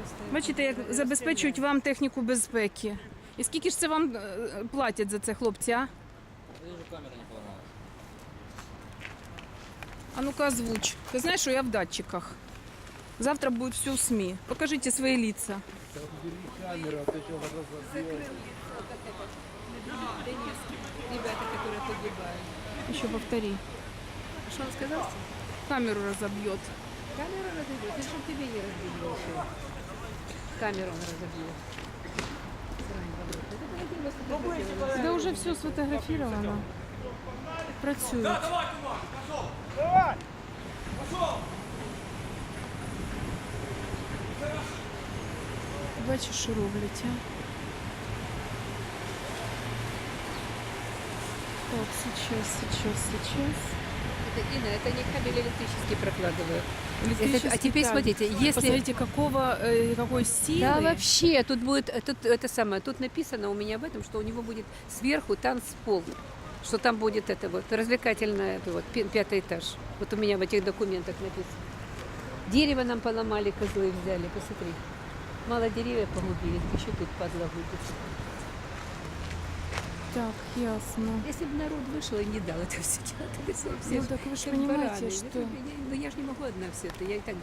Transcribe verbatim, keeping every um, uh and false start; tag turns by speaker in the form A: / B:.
A: Бачите, як забезпечують вам техніку безпеки. І скільки ж це вам е, платять за це, хлопці, а?
B: Даже камера не поломалась.
A: А ну-ка озвучь. Ты знаешь, что я в датчиках. Завтра будет все в СМИ. Покажите свои лица.
C: Камера, ты что,
D: Ребята, которые погибают.
A: Еще повтори.
D: Что он сказал?
A: Камеру разобьет.
D: Камеру разобьет. Это чтобы тебе не разбили еще. Камеру он разобьет.
A: Да уже все сфотографировано. Працюють. Бачиш, що роблять, а? Так, сейчас, сейчас, сейчас.
D: Это, Инна, это не кабель электрический прокладывают.
A: Электрический
D: Это- а теперь
A: кабель.
D: смотрите, если-
A: Посмотрите, какого, э, какой силы.
D: Да, вообще, тут будет, э, тут это самое, тут написано у меня об этом, что у него будет сверху танцпол, что там будет это вот развлекательное, это вот пи- пятый этаж. Вот у меня в этих документах написано. Дерево нам поломали, козлы взяли, посмотри. Мало деревьев погубили, еще тут падла будет.
A: Так, ясно.
D: Если бы народ вышел и не дал это все делать, то все, все
A: Ну так вы же
D: как
A: понимаете,
D: бараны.
A: что...
D: Я, ну, я же не могу одна все это, я и так